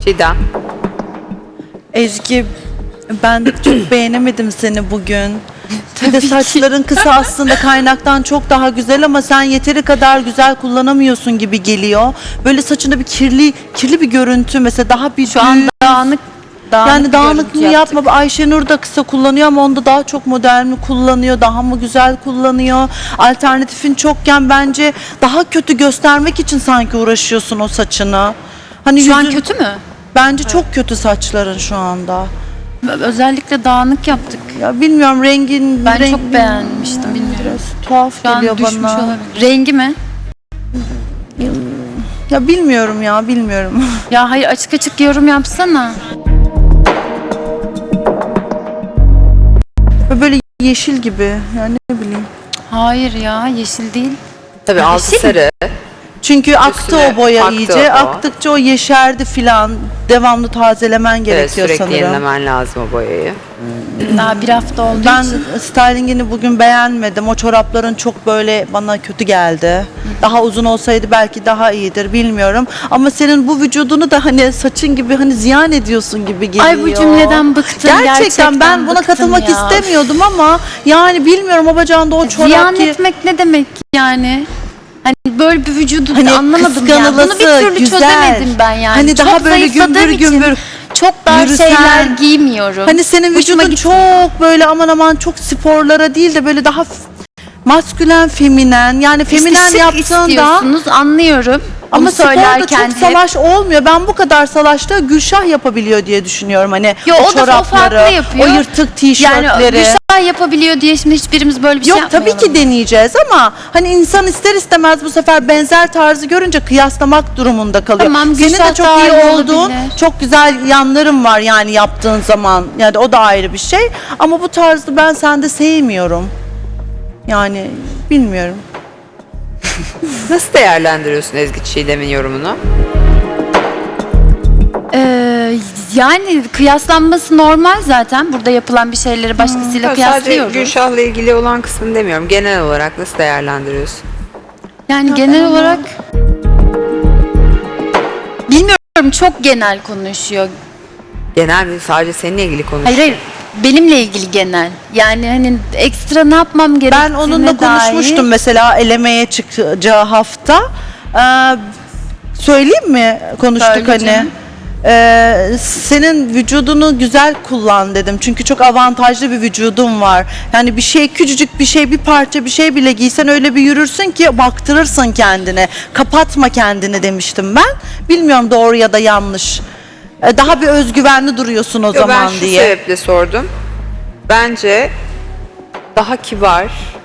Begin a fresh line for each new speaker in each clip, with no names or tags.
Çiğdem.
Ezgi, ben çok beğenemedim seni bugün. Bir de saçların kısa aslında kaynaktan çok daha güzel ama sen yeteri kadar güzel kullanamıyorsun gibi geliyor. Böyle saçında bir kirli bir görüntü mesela daha bir
Şu an dağınık
yani
bir
dağınıklığını
görüntü yaptık.
yapma. Ayşenur da kısa kullanıyor ama onda daha çok model mi kullanıyor, daha mı güzel kullanıyor? Alternatifin çokken bence daha kötü göstermek için sanki uğraşıyorsun o saçını. Hani
Şu an
yüzün-
kötü mü?
Bence çok kötü saçların şu anda.
Özellikle dağınık yaptık.
Ya bilmiyorum rengin...
Ben çok beğenmiştim, bilmiyorum.
Biraz tuhaf
Şu an
geliyor
düşmüş
bana.
olabilir. Rengi mi?
Ya bilmiyorum.
Ya hayır, açık açık yorum yapsana.
Böyle yeşil gibi yani ne bileyim.
Hayır ya, yeşil değil.
Tabii altı
Yeşil mi?
sarı.
Çünkü aktı
Üstüne
o boya
aktı
iyice.
o.
Aktıkça o yeşerdi filan. Devamlı tazelemen
Evet,
gerekiyor
sürekli
sanırım.
yenilemen lazım o boyayı.
Daha bir hafta olduğu
Ben
için.
stylingini bugün beğenmedim. O çorapların çok böyle bana kötü geldi. Daha uzun olsaydı belki daha iyidir bilmiyorum. Ama senin bu vücudunu da hani saçın gibi hani ziyan ediyorsun gibi geliyor.
Ay bu cümleden bıktım.
Gerçekten ben buna
bıktım
katılmak
ya.
istemiyordum ama yani bilmiyorum o bacağında o çorap
Ziyan
ki...
etmek ne demek yani? Hani böyle bir vücudu
Hani
anlamadım ya. Bunu bir türlü
güzel.
çözemedim ben yani.
Hani
çok
daha böyle gümbür
zayıfladığım için
gümbür
çok dar
yürüsen.
şeyler giymiyorum.
Hani senin
Hoşuma
vücudun
gitmiyor.
çok böyle aman çok sporlara değil de böyle daha maskülen, feminen. Yani feminen
İşte şık
yaptığında
istiyorsunuz, anlıyorum.
ama
Bunu
sporda
söylerken
çok
hep.
salaş olmuyor. Ben bu kadar salaşta Gülşah yapabiliyor diye düşünüyorum. Hani
Yo,
o
o da
çorapları,
farklı yapıyor.
o yırtık
Yani
tişörtleri.
Gülşah yapabiliyor diye şimdi hiçbirimiz böyle bir şey
Yok
yapmayalım.
tabii ki deneyeceğiz ama hani insan ister istemez bu sefer benzer tarzı görünce kıyaslamak durumunda kalıyor.
Tamam,
Senin
Gülşah
de çok
daha
iyi
iyi
olduğun,
olabilir.
çok güzel yanların var yani yaptığın zaman. Yani o da ayrı bir şey. Ama bu tarzı ben sende sevmiyorum. Yani bilmiyorum.
Nasıl değerlendiriyorsun Ezgi Çiğdem'in yorumunu?
Yani kıyaslanması normal zaten. Burada yapılan bir şeyleri başkasıyla
Sadece
kıyaslıyoruz.
Gülşah'la ilgili olan kısmını demiyorum. Genel olarak nasıl değerlendiriyorsun?
Yani genel olarak bilmiyorum, çok genel konuşuyor.
Genel mi? Sadece seninle ilgili konuş.
Hayır, benimle ilgili genel. Yani hani ekstra ne yapmam gerektiğine
Ben onunla konuşmuştum
dair.
mesela elemeye çıkacağı hafta. Söyleyeyim mi? Konuştuk
Söyle
hani.
canım.
Senin vücudunu güzel kullan dedim. Çünkü çok avantajlı bir vücudun var. Yani bir şey küçücük bir şey, bir parça bir şey bile giysen öyle bir yürürsün ki baktırırsın kendine. Kapatma kendini demiştim ben. Bilmiyorum doğru ya da yanlış. Daha bir özgüvenli duruyorsun o
Yo,
zaman
ben şu
diye.
sebeple sordum. Bence daha kibar,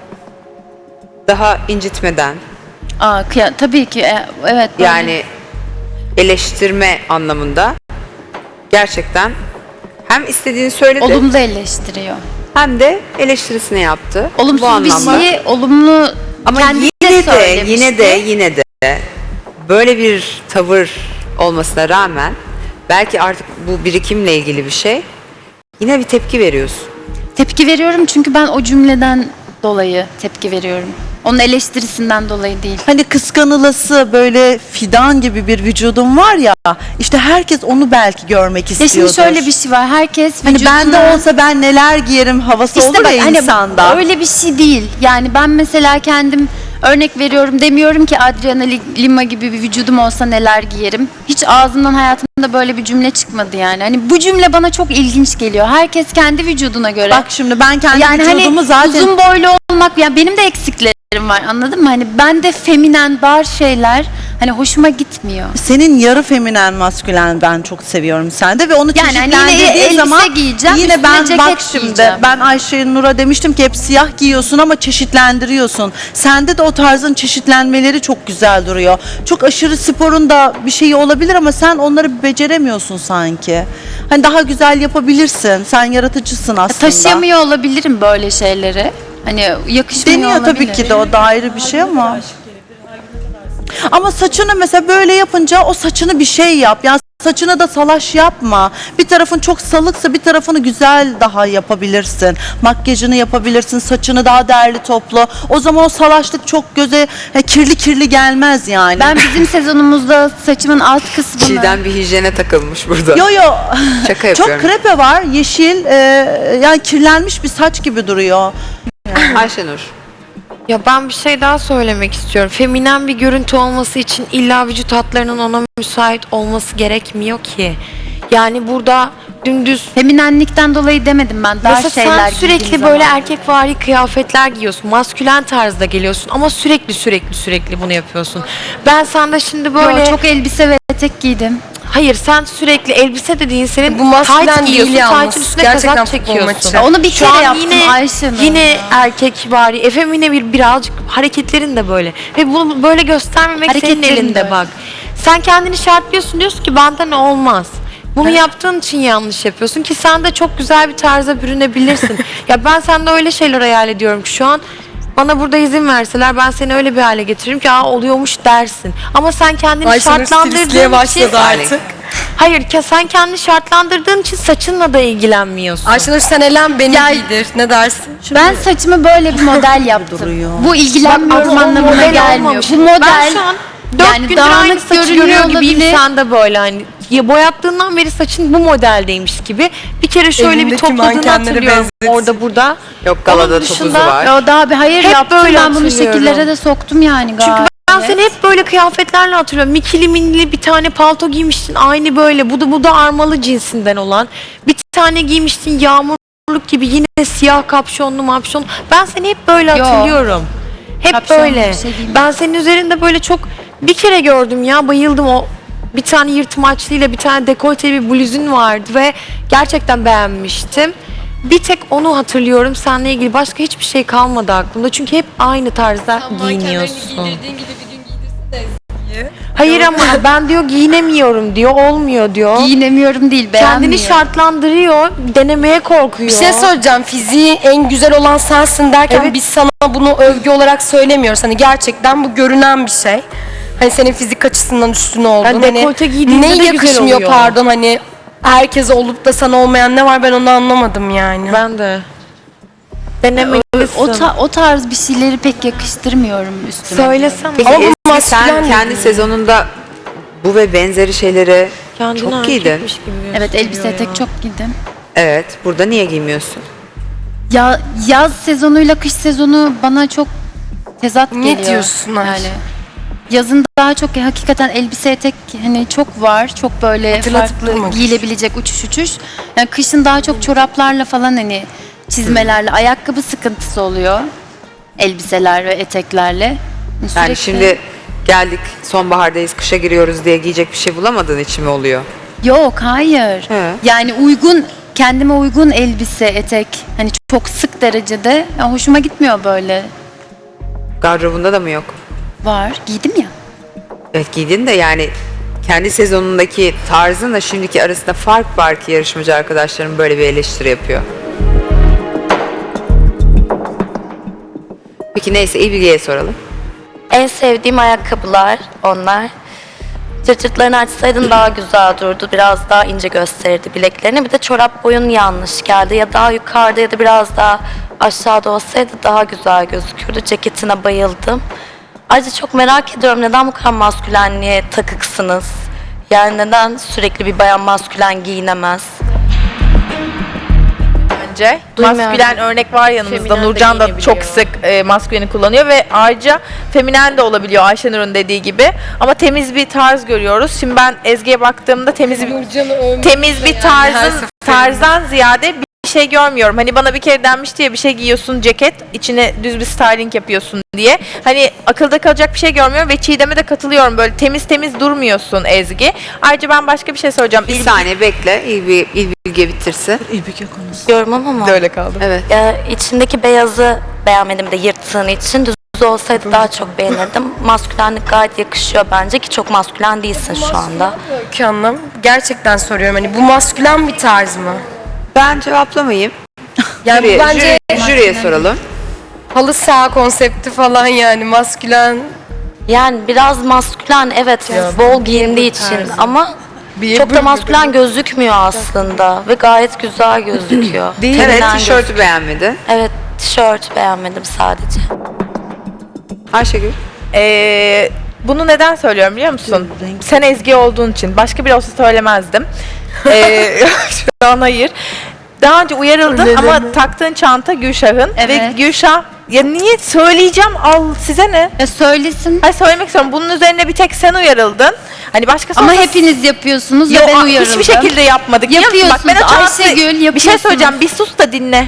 daha incitmeden,
Tabii ki evet. böyle.
yani eleştirme anlamında gerçekten hem istediğini söyledi
olumlu eleştiriyor.
hem de eleştirisini yaptı. Bu
Olumsuz bir
anlamda.
şeyi olumlu
Ama
kendi
yine de böyle bir tavır olmasına rağmen belki artık bu birikimle ilgili bir şey, yine bir tepki veriyorsun.
tepki veriyorum çünkü ben o cümleden dolayı tepki veriyorum. Onun eleştirisinden dolayı değil.
Hani kıskanılası böyle fidan gibi bir vücudun var ya, işte herkes onu belki görmek
Ya
istiyordur.
şimdi şöyle bir şey var. Herkes
Hani
vücuduna...
bende olsa ben neler giyerim havası
İşte
olur
bak,
ya
hani
insanda.
öyle bir şey değil. Yani ben mesela kendim örnek veriyorum, demiyorum ki Adriana Lima gibi bir vücudum olsa neler giyerim. Hiç ağzımdan hayatımda böyle bir cümle çıkmadı yani. Hani bu cümle bana çok ilginç geliyor. Herkes kendi vücuduna göre.
Bak şimdi ben kendi
yani
vücudumu
hani
zaten...
uzun boylu olmak, yani benim de eksiklerim var, anladın mı? Hani ben de feminen dar şeyler hani hoşuma gitmiyor.
Senin yarı feminen maskülen ben çok seviyorum sende ve onu
Yani hani yine
çeşitlendirdiği
elbise
zaman
giyeceğim,
yine
üstüne
ben
ceket
bak şimdi
giyeceğim.
ben Ayşe Nur'a demiştim ki hep siyah giyiyorsun ama çeşitlendiriyorsun. Sende de o tarzın çeşitlenmeleri çok güzel duruyor. Çok aşırı sporun da bir şeyi olabilir ama sen onları beceremiyorsun sanki. Hani daha güzel yapabilirsin. Sen yaratıcısın aslında.
Taşıyamıyor olabilirim böyle şeyleri. Hani yakışmıyor
Deniyor
olabilir.
tabii ki de, o da ayrı bir şey ama. Ama saçını mesela böyle yapınca o saçını bir şey yap. Yani Saçına da salaş yapma. Bir tarafın çok salıksa bir tarafını güzel daha yapabilirsin. Makyajını yapabilirsin, saçını daha değerli toplu. O zaman o salaşlık çok göze kirli kirli gelmez yani.
Ben bizim sezonumuzda saçımın alt kısmını...
Çiğdem bir hijyene takılmış burada.
Yo.
Şaka yapıyorum.
Çok krepe var, yeşil, yani kirlenmiş bir saç gibi duruyor.
Ayşenur.
Ya ben bir şey daha söylemek istiyorum. Feminen bir görüntü olması için illa vücut hatlarının ona müsait olması gerekmiyor ki. Yani burada dümdüz
Feminenlikten dolayı demedim ben. Dar
mesela
şeyler
sen sürekli
giydiğim
böyle
zaman.
erkekvari kıyafetler giyiyorsun. Maskülen tarzda geliyorsun ama sürekli bunu yapıyorsun. Ben sende şimdi böyle
Yo, çok elbise ve etek giydim.
hayır sen sürekli elbise de değil senin
Bu maskülen
tight giyiyorsun.
değil yalnız.
Tight'ın üstüne
Gerçekten
kazak
futbol
çekiyorsun.
maçı.
Ya onu bir
Şu
kere
an
yaptım Ayşe.
yine erkekvari, efemine birazcık hareketlerin de böyle. Ve bunu böyle göstermemek senin
Hareketlerin de
elinde
öyle.
bak. Sen kendini şartlıyorsun diyorsun ki benden olmaz. Bunu yaptığın için yanlış yapıyorsun ki sen de çok güzel bir tarza bürünebilirsin. Ya ben sende öyle şeyler hayal ediyorum ki şu an bana burada izin verseler ben seni öyle bir hale getiririm ki aa oluyormuş dersin. Ama sen kendini
Ayşenur
şartlandırdığın
stilistliğe
için
başladı artık.
hayır sen kendini şartlandırdığın için saçınla da ilgilenmiyorsun.
Ayşenur sen elen beni
Ya-
giydir. Ne dersin?
Ben saçımı böyle bir model yaptım.
duruyor.
Bu ilgilenmiyorum
Ama o
anlamına
model
gelmiyor.
olmamış.
Bu model
Ben şu an 4
yani
gündür aynı
dağınık
saçı
görünüyor
görüyor gibiyim
olabilir.
sen de böyle hani ya boyattığından beri saçın bu modeldeymiş gibi. Bir kere şöyle bir
Evindeki
topladığını
mankenleri
hatırlıyorum
benzetsin.
orada burada.
Yok galada
Onun
topuzu
dışında-
var.
Ya daha bir hayır
Hep
yaptım
böyle
ben bunu
hatırlıyorum.
şekillere de soktum yani gayet.
Çünkü ben seni hep böyle kıyafetlerle hatırlıyorum. Mikili minili bir tane palto giymiştin aynı böyle. Bu da armalı cinsinden olan. Bir tane giymiştin yağmurluk gibi yine siyah kapşonlu mapşon. Ben seni hep böyle
Yo.
hatırlıyorum. Hep
Kapşonlu
böyle.
bir şey giymedim.
Ben senin üzerinde böyle çok bir kere gördüm ya bayıldım o bir tane yırtmaçlıyla bir tane dekolteli bir bluzun vardı ve gerçekten beğenmiştim. Bir tek onu hatırlıyorum seninle ilgili başka hiçbir şey kalmadı aklımda çünkü hep aynı tarzda giyiniyorsun. Hayır ama ben diyor giyinemiyorum diyor olmuyor diyor.
Giyinemiyorum değil beğenmiyorum.
Kendini şartlandırıyor denemeye korkuyor.
Bir şey söyleyeceğim. Fiziği en güzel olan sensin derken
Evet.
biz sana bunu övgü olarak söylemiyoruz. Hani gerçekten bu görünen bir şey. Hani senin fizik açısından üstün oldun.
Yani
Hani
dekolte giydiğinde
ne
de güzel
yakışmıyor
oluyor.
pardon hani herkese olup da sana olmayan ne var ben onu anlamadım yani.
Ben de. Denemelisin.
O tarz bir şeyleri pek yakıştırmıyorum üstüme.
Söylesene.
Peki
Ama bu
Ezgi,
maskülen
sen
de
kendi
değil.
sezonunda bu ve benzeri şeyleri
Kendini
çok giydin.
erkekmiş gibi
Evet elbise
gösteriyor
tek
ya.
çok giydim.
Evet. Burada niye giymiyorsun?
Ya yaz sezonuyla kış sezonu bana çok tezat
Ne
geliyor.
diyorsun Ayşe?
Yani yazın daha çok hakikaten elbise etek hani çok var. Çok böyle
Hatırlatıp
farklı
durma.
giyilebilecek uçuş. Yani kışın daha çok çoraplarla falan hani çizmelerle ayakkabı sıkıntısı oluyor. Elbiseler ve eteklerle.
Yani
Sürekli-
şimdi geldik sonbahardayız kışa giriyoruz diye giyecek bir şey bulamadığın için mi oluyor?
Yok hayır.
He.
Yani kendime uygun elbise, etek hani çok sık derecede ya hoşuma gitmiyor böyle.
Gardırobunda da mı yok?
Var. Giydim ya.
Evet giydin de yani kendi sezonundaki tarzınla şimdiki arasında fark var ki yarışmacı arkadaşlarım böyle bir eleştiri yapıyor. Peki neyse İlbilge'ye soralım.
En sevdiğim ayakkabılar onlar. Cırtlarını açsaydın daha güzel dururdu. Biraz daha ince gösterirdi bileklerini. Bir de çorap boyun yanlış geldi. Ya daha yukarıda ya da biraz daha aşağıda olsaydı daha güzel gözükürdü. Ceketine bayıldım. Ayrıca çok merak ediyorum neden bu kadar maskülenliğe takıksınız? Yani neden sürekli bir bayan maskülen giyinemez?
Bence.
Duymuyorum.
Maskülen örnek var yanımızda.
Feminen de
Nurcan da
giyinebiliyor.
çok sık masküleni kullanıyor ve ayrıca feminen de olabiliyor Ayşenur'un dediği gibi. Ama temiz bir tarz görüyoruz. Şimdi ben Ezgi'ye baktığımda temiz bir tarzdan ziyade bir şey görmüyorum. Hani bana bir kere denmişti ya bir şey giyiyorsun ceket, içine düz bir styling yapıyorsun diye. Hani akılda kalacak bir şey görmüyorum ve Çiğdem'e de katılıyorum. Böyle temiz durmuyorsun Ezgi. Ayrıca ben başka bir şey söyleyeceğim.
Bir saniye bekle İlbilge bitirsin.
Diyorum ama
de öyle kaldı.
Evet.
içindeki beyazı beğenmedim de yırttığın için. Düz olsaydı daha çok beğenirdim. Maskülenlik gayet yakışıyor bence ki çok maskülen değilsin şu anda.
Öykü Hanım gerçekten soruyorum hani bu maskülen bir tarz mı?
Ben cevaplamayayım.
Yani bu bence
Jüriye soralım.
halı saha konsepti falan yani maskülen.
Yani biraz maskülen evet bol giyindiği için ama çok da maskülen gözükmüyor aslında ve gayet güzel gözüküyor.
Evet,
Feminen
tişörtü beğenmedin.
Evet, tişört beğenmedim sadece.
Ayşegül.
Bunu neden söylüyorum biliyor musun? Sen Ezgi olduğun için. Başka biri olsa söylemezdim. Şu an hayır. Daha önce uyarıldın ama taktığın çanta Gülşah'ın. Ve
Evet.
Gülşah, ya niye söyleyeceğim, al size ne?
Ya söylesin.
Hayır, söylemek istiyorum. Bunun üzerine bir tek sen uyarıldın. Hani başkası
Ama
olsa-
hepiniz yapıyorsunuz
Yo,
ve ben uyarıldım.
hiçbir şekilde yapmadık. biliyor musun? Bak, ben o
Yapıyorsunuz,
çantayı-
Ayşegül,
Bir şey
yapıyorsunuz.
söyleyeceğim, bir sus da dinle.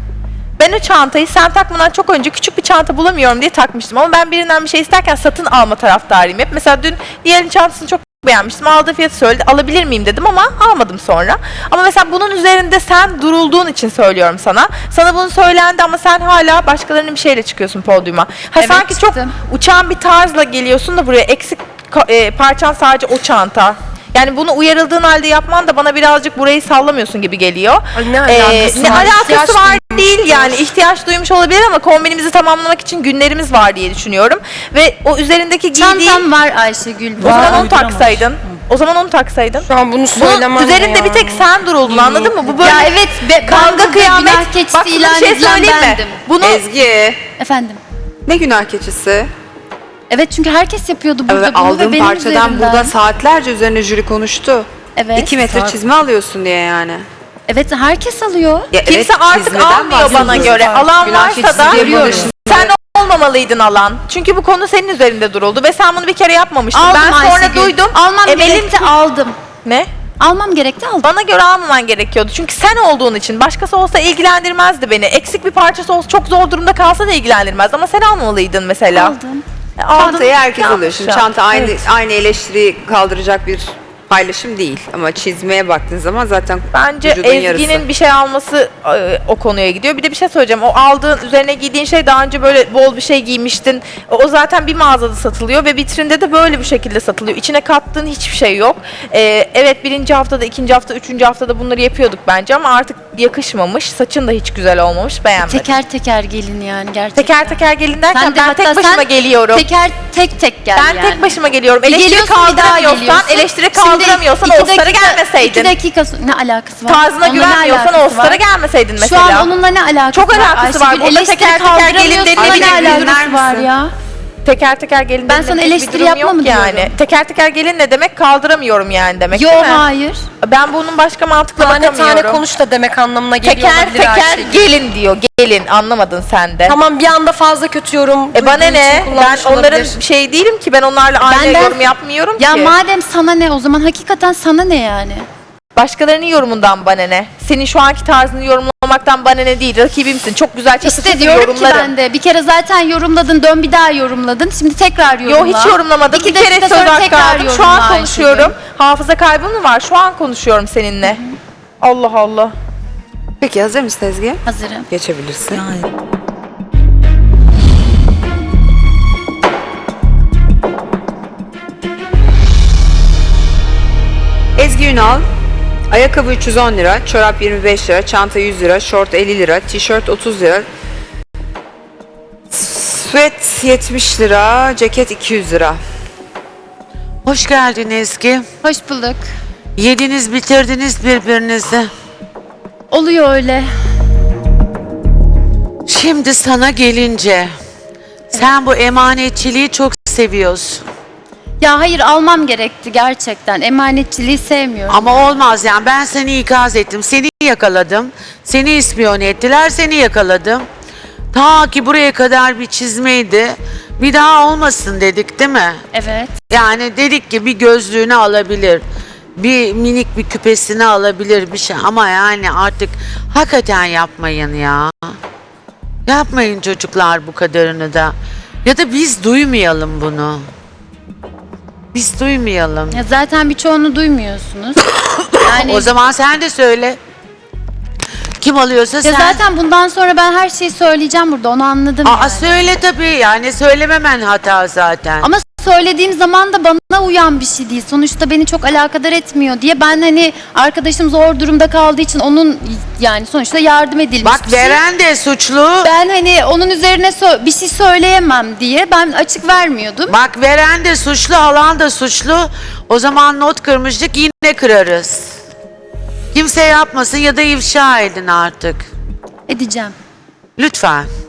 Ben o çantayı sen takmadan çok önce küçük bir çanta bulamıyorum diye takmıştım. Ama ben birinden bir şey isterken satın alma taraftarıyım hep. Mesela dün diğerinin çantasını çok beğenmiştim. Aldığı fiyatı söyledi. Alabilir miyim dedim ama almadım sonra. Ama mesela bunun üzerinde sen durulduğun için söylüyorum sana. Sana bunu söylendi ama sen hala başkalarının bir şeyle çıkıyorsun podyuma. Ha,
Evet,
sanki çok
çıktım.
uçan bir tarzla geliyorsun da buraya eksik parçan sadece o çanta. Yani bunu uyarıldığın halde yapman da bana birazcık burayı sallamıyorsun gibi geliyor.
Ay, ne alakası
Ne
var?
alakası
İhtiyaç
var
duymuştur.
değil yani, ihtiyaç duymuş olabilir ama kombinimizi tamamlamak için günlerimiz var diye düşünüyorum. Ve o üzerindeki giydiğin,
Çantam var Ayşegül.
o zaman onu
Uyduramamış.
taksaydın. O zaman onu taksaydın.
Şu an bunu söylemem
Bunun üzerinde
ya.
bir tek sen duruldun, anladın mı? Bu böyle
Ya evet, ben
kavga
burada
kıyamet.
günah keçisi
Bak, sana
ilan
bir şey
edilen
söyleyeyim mi?
bendim.
Bunu
Ezgi.
Efendim.
Ne günah keçisi?
Evet, çünkü herkes yapıyordu burada
Evet,
bunu ve
aldığın
benim
parçadan
üzerimden.
burada saatlerce üzerine jüri konuştu.
Evet.
2 metre çizme alıyorsun diye yani.
Evet, herkes alıyor.
Ya
kimse
evet,
artık
çizmeden
almıyor bana
bahsediyoruz.
göre. Alan
Günah
varsa
keçisi
da
diye bunun dışında-
sen olmamalıydın alan. Çünkü bu konu senin üzerinde duruldu ve sen bunu bir kere yapmamıştın.
Aldım
Ben sonra
Ayşegül.
duydum.
Almam
Emel'in-
gerekti, aldım.
Ne?
Almam gerekti, aldım.
Bana göre almaman gerekiyordu. Çünkü sen olduğun için. Başkası olsa ilgilendirmezdi beni. Eksik bir parçası olsa, çok zor durumda kalsa da ilgilendirmezdi. Ama sen almamalıydın mesela.
Aldım.
Çantayı herkes
Yanlış
alıyor. Şimdi
ya.
çanta aynı
Evet.
aynı eleştiriyi kaldıracak bir paylaşım değil. Ama çizmeye baktığın zaman zaten
Bence
vücudun
Ezgi'nin
yarısı.
bir şey alması o konuya gidiyor. Bir de bir şey söyleyeceğim. O aldığın, üzerine giydiğin şey daha önce böyle bol bir şey giymiştin. O zaten bir mağazada satılıyor ve vitrinde de böyle bir şekilde satılıyor. İçine kattığın hiçbir şey yok. Evet, birinci haftada, ikinci hafta, üçüncü haftada bunları yapıyorduk bence ama artık yakışmamış. Saçın da hiç güzel olmamış. Beğenmedim.
Teker teker gelin yani gerçekten.
Teker teker gelin derken
Sen de
ben
hatta
tek başıma
sen
geliyorum.
Teker tek gel
Ben
yani.
tek başıma geliyorum. Eleştiri
Geliyorsun, bir daha
kaldıramıyorsan,
geliyorsun.
eleştiri
Şimdi
kaldıramıyorsan
iki
All-Star'a
dakika-
gelmeseydin.
2 dakika ne alakası var?
Tarzına
Onunla ne
güvenmiyorsan
alakası
All-Star'a
var?
gelmeseydin mesela.
Şu an onunla ne alakası
Çok
var?
alakası var.
Ayşegül?
Burada
Eleştiri
teker teker gelin
kaldıramıyorsun,
dediği
ne
bir
alakası
dinler
var
misin?
ya?
Teker teker gelin
Ben
demek
sana
bir
eleştiri
durum
yapma
yok
mı
yani.
diyorum?
Teker teker gelin ne demek, kaldıramıyorum yani demek
Yo,
değil mi?
hayır.
Ben bunun başka mantıkla
Tane
bakamıyorum.
tane konuş da demek anlamına geliyor
Teker
olabilir
teker
Ayşegül.
gelin diyor. Gelin, anlamadın sen de.
Tamam, bir anda fazla kötü yorum
Bana
duyduğu için
ne? Ben
kullanmış
onların
olabilir.
şey değilim ki, ben onlarla aynı
Benden-
yorum yapmıyorum
Ya
ki.
madem sana ne, o zaman hakikaten sana ne yani?
Başkalarının yorumundan bana ne? Senin şu anki tarzını yorumlamaktan bana ne değil. Rakibimsin. Çok güzel çatı
İşte
çatı
diyorum
yorumlarım.
ki ben de bir kere zaten yorumladın, dön bir daha yorumladın. Şimdi tekrar yorumla.
Yo, hiç yorumlamadım.
2
Bir kere
dakika
söz
sonra
hakkı
tekrar
aldım. Şu
yorumla
an
Ayşegül.
konuşuyorum. Hafıza kaybım mı var? Şu an konuşuyorum seninle. Allah Allah.
Peki hazır mısın Ezgi?
Hazırım.
Geçebilirsin. Ezgi Ünal, ayakkabı 310 lira, çorap 25 lira, çanta 100 lira, şort 50 lira, tişört 30 lira, sweat 70 lira, ceket 200 lira.
Hoş geldin Ezgi.
Hoş bulduk.
Yediniz bitirdiniz birbirinizi.
Oluyor öyle.
Şimdi sana gelince sen bu emanetçiliği çok seviyorsun.
Ya hayır, almam gerekti gerçekten. Emanetçiliği sevmiyorum.
Ama olmaz yani, ben seni ikaz ettim. Seni yakaladım. Seni ispiyon ettiler. Seni yakaladım. Ta ki buraya kadar bir çizmeydi. Bir daha olmasın dedik değil mi?
Evet.
Yani dedik ki bir gözlüğünü alabilir. Bir minik bir küpesini alabilir bir şey. Ama yani artık hakikaten yapmayın ya. Yapmayın çocuklar bu kadarını da. Ya da biz duymayalım bunu. Biz duymayalım.
Ya zaten birçoğunu duymuyorsunuz. Yani
O zaman sen de söyle. Kim alıyorsa
ya
sen.
zaten bundan sonra ben her şeyi söyleyeceğim burada, onu anladım
Aa,
yani.
söyle tabii, yani söylememen hata zaten.
Ama söylediğim zaman da bana uyan bir şey değil. Sonuçta beni çok alakadar etmiyor diye ben hani arkadaşım zor durumda kaldığı için onun yani sonuçta yardım edilmiş
Bak
bir şey.
veren de suçlu.
Ben hani onun üzerine bir şey söyleyemem diye ben açık vermiyordum.
Bak veren de suçlu, alan da suçlu. O zaman not kırmıştık, yine kırarız. Kimse yapmasın ya da ifşa edin artık.
Edeceğim.
Lütfen.